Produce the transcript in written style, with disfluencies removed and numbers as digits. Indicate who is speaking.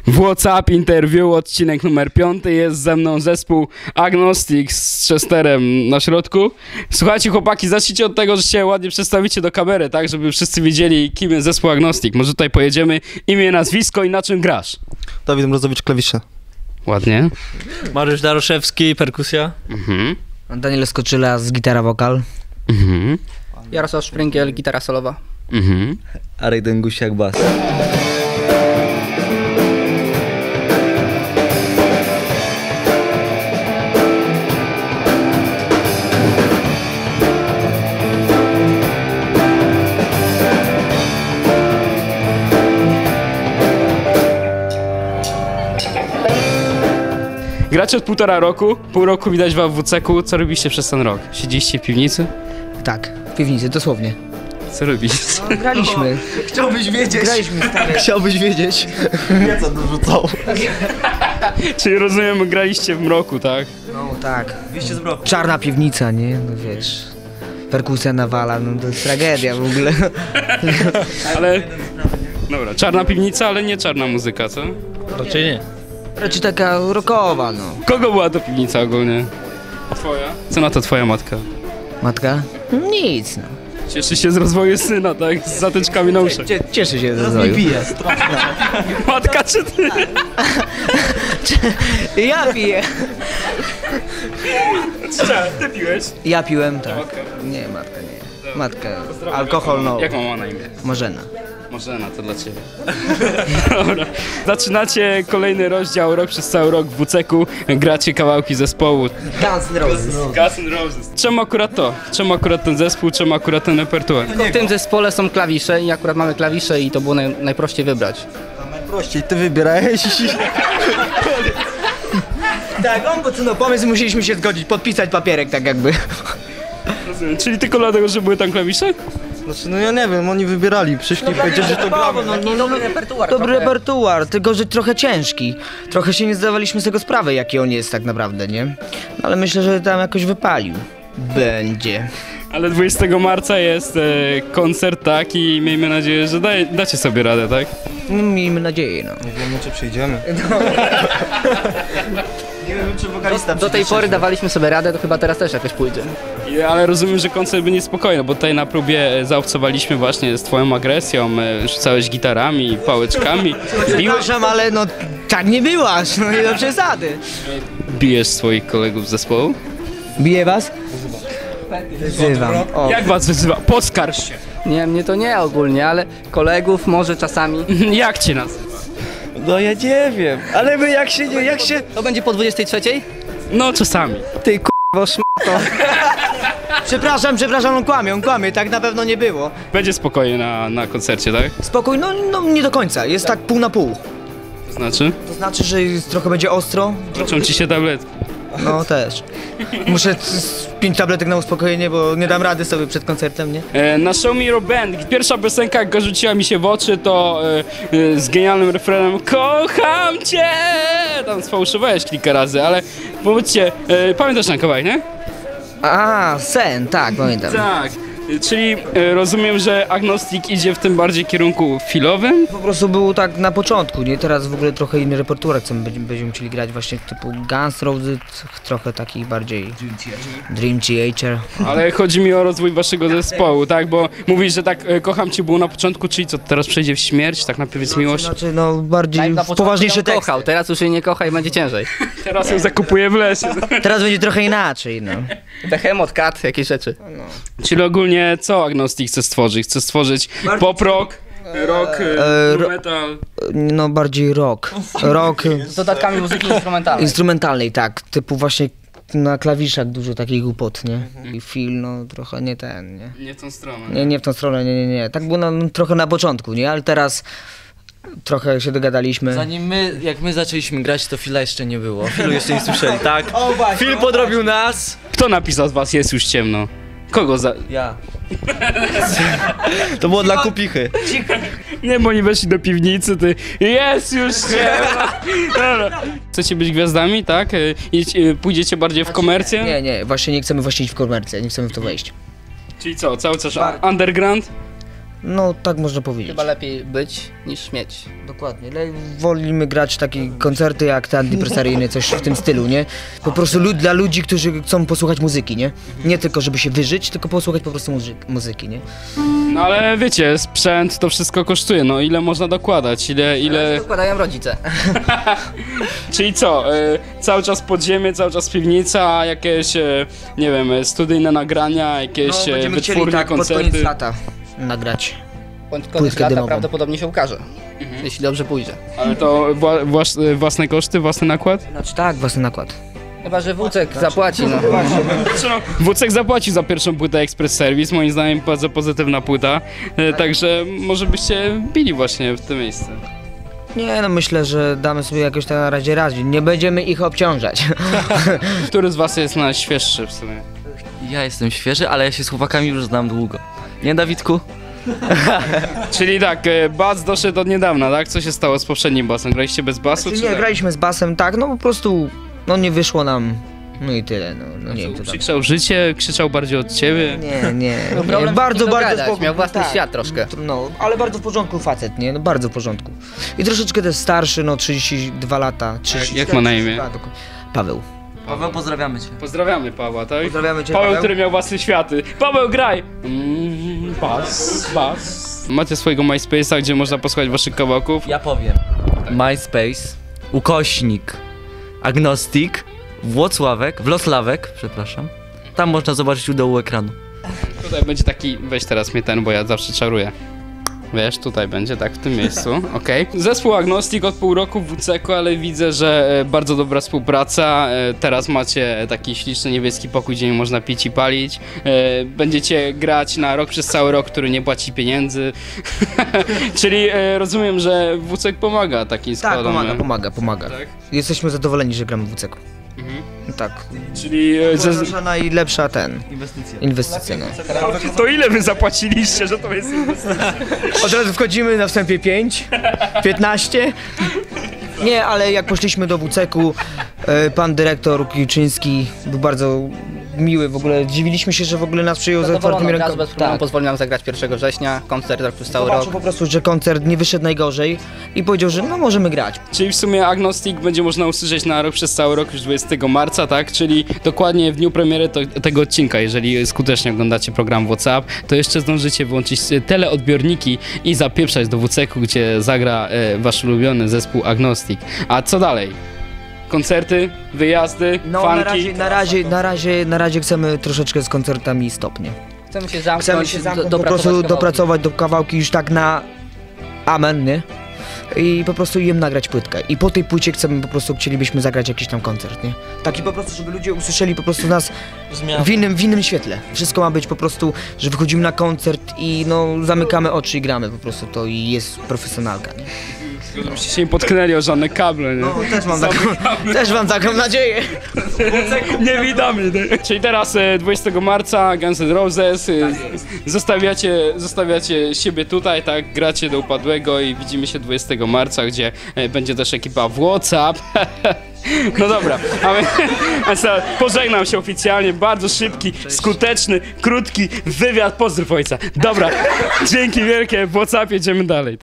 Speaker 1: WhatsApp Interview, odcinek numer 5. Jest ze mną zespół Agnostic z Chesterem na środku. Słuchajcie chłopaki, zacznijcie od tego, że się ładnie przedstawicie do kamery, tak? Żeby wszyscy wiedzieli, kim jest zespół Agnostic. Może tutaj pojedziemy imię, nazwisko i na czym grasz?
Speaker 2: Dawid Mrozowicz, klawisze.
Speaker 1: Ładnie.
Speaker 3: Mariusz Daroszewski, perkusja.
Speaker 4: Daniel Skoczyla z gitara wokal.
Speaker 5: Jarosław Szpręgiel, gitara solowa.
Speaker 3: Arek Dęgusiak, bas.
Speaker 1: Gracie od 1,5 roku, pół roku widać wam w WC-ku. Co robiliście przez ten rok? Siedzieliście w piwnicy?
Speaker 4: Tak, w piwnicy, dosłownie.
Speaker 1: Co robiliście?
Speaker 4: No, graliśmy.
Speaker 2: Chciałbyś wiedzieć.
Speaker 4: Graliśmy stary.
Speaker 2: Chciałbyś wiedzieć. Wiedza dorzucał.
Speaker 1: Czyli rozumiem, graliście w mroku, tak?
Speaker 4: No tak.
Speaker 2: Wyjście z mroku.
Speaker 4: Czarna piwnica, nie? No wiesz. Perkusja nawala, no to jest tragedia w ogóle.
Speaker 1: Ale... Dobra, czarna piwnica, ale nie czarna muzyka, co?
Speaker 3: Raczej nie.
Speaker 4: Raczej taka rockowa, no.
Speaker 1: Kogo była to piwnica ogólnie? Twoja? Co na to twoja matka?
Speaker 4: Matka? Nic, no.
Speaker 1: Cieszy się z rozwoju syna, tak? Z zatyczkami na uszach.
Speaker 4: Cieszę się ze
Speaker 2: Nie
Speaker 4: rozwoju.
Speaker 2: pije.
Speaker 1: Matka czy ty?
Speaker 4: Ja piję.
Speaker 1: Ty piłeś?
Speaker 4: Ja piłem, tak.
Speaker 1: Matka.
Speaker 4: Nie, matka nie. Matka. Alkohol, no.
Speaker 1: Jak mama na imię?
Speaker 4: Marzena.
Speaker 1: Marzena, to dla ciebie. Dobra. Zaczynacie kolejny rozdział, rok przez cały rok w WC-ku. Gracie kawałki zespołu.
Speaker 4: Guns N' Roses.
Speaker 1: Guns N' Roses. Czemu akurat to? Czemu akurat ten zespół? Czemu akurat ten repertuar?
Speaker 5: W tym zespole są klawisze i akurat mamy klawisze i to było najprościej wybrać.
Speaker 2: Najprościej, ty wybierałeś.
Speaker 4: Tak, on podsunął pomysł, musieliśmy się zgodzić, podpisać papierek tak jakby.
Speaker 1: Rozumiem. Czyli tylko dlatego, że były tam klawisze?
Speaker 2: Znaczy, no ja nie wiem, oni wybierali, przyszli i powiedzieli, że to gramy.
Speaker 4: Dobry repertuar. Dobry repertuar, tylko że trochę ciężki. Trochę się nie zdawaliśmy z tego sprawy, jaki on jest tak naprawdę, nie? No, ale myślę, że tam jakoś wypalił. Będzie.
Speaker 1: Ale 20 marca jest koncert, tak? I miejmy nadzieję, że dacie sobie radę, tak?
Speaker 4: No, miejmy nadzieję, no.
Speaker 2: Nie wiemy, czy przyjdziemy. Nie wiem, czy wokalista
Speaker 5: Do tej pory dawaliśmy sobie radę, to chyba teraz też jakoś pójdzie.
Speaker 1: Ale rozumiem, że koncert będzie spokojny, bo tutaj na próbie zaobcowaliśmy właśnie z twoją agresją, rzucałeś gitarami, pałeczkami.
Speaker 4: Przepraszam, ale no tak nie byłaś, no nie do przesady.
Speaker 1: Bijesz swoich kolegów z zespołu?
Speaker 4: Bije was? Wyzywam. O.
Speaker 1: Jak was wyzywa? Poskarż się!
Speaker 5: Nie, mnie to nie ogólnie, ale kolegów może czasami.
Speaker 1: Jak cię nazywa?
Speaker 2: No ja nie wiem, ale my jak się...
Speaker 5: To będzie po 23?
Speaker 1: No czasami.
Speaker 5: Ty k***wo szmato.
Speaker 4: Przepraszam, on kłamie, tak na pewno nie było.
Speaker 1: Będzie spokojnie na koncercie, tak?
Speaker 4: Spokój, no nie do końca, jest tak pół na pół.
Speaker 1: To znaczy?
Speaker 4: To znaczy, że trochę będzie ostro?
Speaker 1: Wrócą ci się tabletki.
Speaker 4: No też. Muszę 5 tabletek na uspokojenie, bo nie dam rady sobie przed koncertem, nie?
Speaker 1: Na Show Me Your Band, pierwsza piosenka, jaka rzuciła mi się w oczy, to z genialnym refrenem Kocham cię! Tam sfałszowałeś kilka razy, ale powiedzcie, pamiętasz ten kawałek, nie?
Speaker 4: A, Sen, tak, pamiętam.
Speaker 1: Tak, czyli rozumiem, że Agnostic idzie w tym bardziej kierunku filowym?
Speaker 4: Po prostu był tak na początku, nie? Teraz w ogóle trochę inny repertuar, co będziemy musieli grać właśnie typu Guns N' Roses, trochę takich bardziej Dream Theater.
Speaker 1: Ale chodzi mi o rozwój waszego zespołu, tak? Bo mówisz, że tak kocham cię było na początku, czyli co, teraz przejdzie w śmierć, tak na powiedz miłość?
Speaker 4: Znaczy, no bardziej
Speaker 5: Na początku
Speaker 4: poważniejsze
Speaker 5: ją
Speaker 4: teksty.
Speaker 5: kochał, teraz już jej nie kocha i będzie ciężej.
Speaker 1: Teraz ją zakupuje w lesie.
Speaker 4: Teraz będzie trochę inaczej, no.
Speaker 5: Behemoth, kat, jakieś rzeczy.
Speaker 1: Czyli ogólnie co Agnostic chce stworzyć? Chce stworzyć pop-rock, rock, metal.
Speaker 4: No bardziej rock. Rock
Speaker 5: Z dodatkami muzyki instrumentalnej.
Speaker 4: instrumentalnej, tak. Typu właśnie na klawiszach dużo takich głupot, nie? I Phil, no trochę nie ten, nie?
Speaker 1: Nie w tą stronę.
Speaker 4: Nie w tą stronę, nie. Tak było trochę na początku, nie? Ale teraz trochę się dogadaliśmy.
Speaker 3: Jak my zaczęliśmy grać, to Phila jeszcze nie było. Philu jeszcze nie słyszeli, tak? Phil podrobił nas.
Speaker 1: Kto napisał z was Jest już ciemno? Kogo za...
Speaker 3: Ja.
Speaker 2: To było dla kupichy.
Speaker 1: Nie, bo oni weszli do piwnicy, ty... Jest już ciemno! Dobra. Chcecie być gwiazdami, tak? Pójdziecie bardziej w komercję?
Speaker 4: Nie, właśnie nie chcemy właśnie iść w komercję, nie chcemy w to wejść.
Speaker 1: Czyli co, cały czas underground?
Speaker 4: No, tak można powiedzieć.
Speaker 5: Chyba lepiej być niż mieć.
Speaker 4: Dokładnie. Wolimy grać takie koncerty jak te antypresaryjne, coś w tym stylu, nie? Po prostu dla ludzi, którzy chcą posłuchać muzyki, nie? Nie tylko, żeby się wyżyć, tylko posłuchać po prostu muzyki, nie?
Speaker 1: No ale wiecie, sprzęt to wszystko kosztuje, no ile można dokładać, ile...
Speaker 5: Dokładają rodzice.
Speaker 1: Czyli co, cały czas podziemie, cały czas piwnica, jakieś, nie wiem, studyjne nagrania, jakieś
Speaker 4: No, będziemy chcieli
Speaker 1: wytwórnie,
Speaker 4: tak pod
Speaker 1: koncerty.
Speaker 4: koniec lata nagrać.
Speaker 5: Pod koniec
Speaker 4: Płytkę
Speaker 5: lata
Speaker 4: dymową.
Speaker 5: prawdopodobnie się ukaże. Jeśli dobrze pójdzie.
Speaker 1: Ale to własne koszty, własny nakład?
Speaker 4: Znaczy tak, własny nakład.
Speaker 5: Chyba, że Wócek zapłaci, no.
Speaker 1: Znaczy, no, Wócek zapłacił za pierwszą płytę Express Service, moim zdaniem bardzo pozytywna płyta, także może byście bili właśnie w to miejsce.
Speaker 4: Nie, no myślę, że damy sobie jakoś tak na razie radzić. Nie będziemy ich obciążać.
Speaker 1: Który z was jest najświeższy w sumie?
Speaker 3: Ja jestem świeży, ale ja się z chłopakami już znam długo. Nie, Dawidku?
Speaker 1: Czyli tak, bas doszedł od niedawna, tak? Co się stało z poprzednim basem? Graliście bez basu, czy
Speaker 4: Nie,
Speaker 1: tak?
Speaker 4: graliśmy z basem, tak, no po prostu, no nie wyszło nam. No i tyle, no nie wiem co tam.
Speaker 1: Krzyczał życie, krzyczał bardziej od ciebie?
Speaker 4: Nie,
Speaker 5: Był problem
Speaker 4: bardzo,
Speaker 5: z kim
Speaker 4: bardzo
Speaker 5: dogadać, miał własny
Speaker 4: tak.
Speaker 5: świat troszkę.
Speaker 4: No, ale bardzo w porządku facet, nie? No bardzo w porządku. I troszeczkę też starszy, no 32 lata. 30,
Speaker 1: Jak ma na imię?
Speaker 4: Paweł.
Speaker 3: Paweł, pozdrawiamy cię.
Speaker 1: Pozdrawiamy Pawła, tak?
Speaker 4: Pozdrawiamy cię,
Speaker 1: Paweł,
Speaker 4: Paweł.
Speaker 1: który miał własne światy. Paweł, graj! Bas. Macie swojego MySpace'a, gdzie można posłuchać waszych kawałków.
Speaker 3: Ja powiem. MySpace, ukośnik, agnostik, Wlosławek, przepraszam. Tam można zobaczyć u dołu ekranu.
Speaker 1: Tutaj będzie taki, weź teraz mnie ten, bo ja zawsze czaruję. Wiesz, tutaj będzie, tak, w tym miejscu, okej. Zespół Agnostik od pół roku w WCK, ale widzę, że bardzo dobra współpraca. Teraz macie taki śliczny niebieski pokój, gdzie nie można pić i palić. Będziecie grać na rok przez cały rok, który nie płaci pieniędzy. Czyli rozumiem, że WCK pomaga takim
Speaker 4: Tak,
Speaker 1: składom.
Speaker 4: pomaga.
Speaker 1: Tak?
Speaker 4: Jesteśmy zadowoleni, że gramy w WCK. Tak.
Speaker 1: Czyli
Speaker 4: Nasza najlepsza inwestycja. No.
Speaker 1: to ile wy zapłaciliście, że to jest
Speaker 4: Od razu wchodzimy na wstępie 5, 15. Nie, ale jak poszliśmy do WCK-u, pan dyrektor Kilczyński był bardzo miły, w ogóle dziwiliśmy się, że w ogóle nas przyjął z otwartymi
Speaker 5: Zadowolony od razu,
Speaker 4: rękami.
Speaker 5: bez problemu pozwolił nam zagrać 1 września, koncert rok przez cały
Speaker 4: Zobaczył
Speaker 5: rok.
Speaker 4: po prostu, że koncert nie wyszedł najgorzej i powiedział, że no możemy grać.
Speaker 1: Czyli w sumie Agnostik będzie można usłyszeć na rok przez cały rok już 20 marca, tak? Czyli dokładnie w dniu premiery tego odcinka, jeżeli skutecznie oglądacie program WhatsApp, to jeszcze zdążycie wyłączyć teleodbiorniki i zapieprzać do WCK-u, gdzie zagra wasz ulubiony zespół Agnostik. A co dalej? Koncerty, wyjazdy,
Speaker 4: No
Speaker 1: fanki?
Speaker 4: na razie chcemy troszeczkę z koncertami stopnie.
Speaker 5: Chcemy się zamknąć,
Speaker 4: Chcemy się zamknąć, po
Speaker 5: dopracować
Speaker 4: prostu
Speaker 5: kawałki.
Speaker 4: dopracować do kawałki już tak na amen, nie? I po prostu im nagrać płytkę. I po tej płycie chcielibyśmy zagrać jakiś tam koncert, nie? Taki po prostu, żeby ludzie usłyszeli po prostu nas w innym świetle. Wszystko ma być po prostu, że wychodzimy na koncert i no zamykamy oczy i gramy po prostu to i jest profesjonalka, nie?
Speaker 1: Żebyście się nie potknęli o żadne kable, nie?
Speaker 4: No, też mam taką nadzieję.
Speaker 1: Niewidomy. Czyli teraz 20 marca Guns N' Roses, zostawiacie siebie tutaj, tak, gracie do upadłego i widzimy się 20 marca, gdzie będzie też ekipa w WhatsApp. No dobra, a pożegnam się oficjalnie, bardzo szybki, skuteczny, krótki wywiad, pozdrów ojca. Dobra, dzięki wielkie, w WhatsApp jedziemy dalej.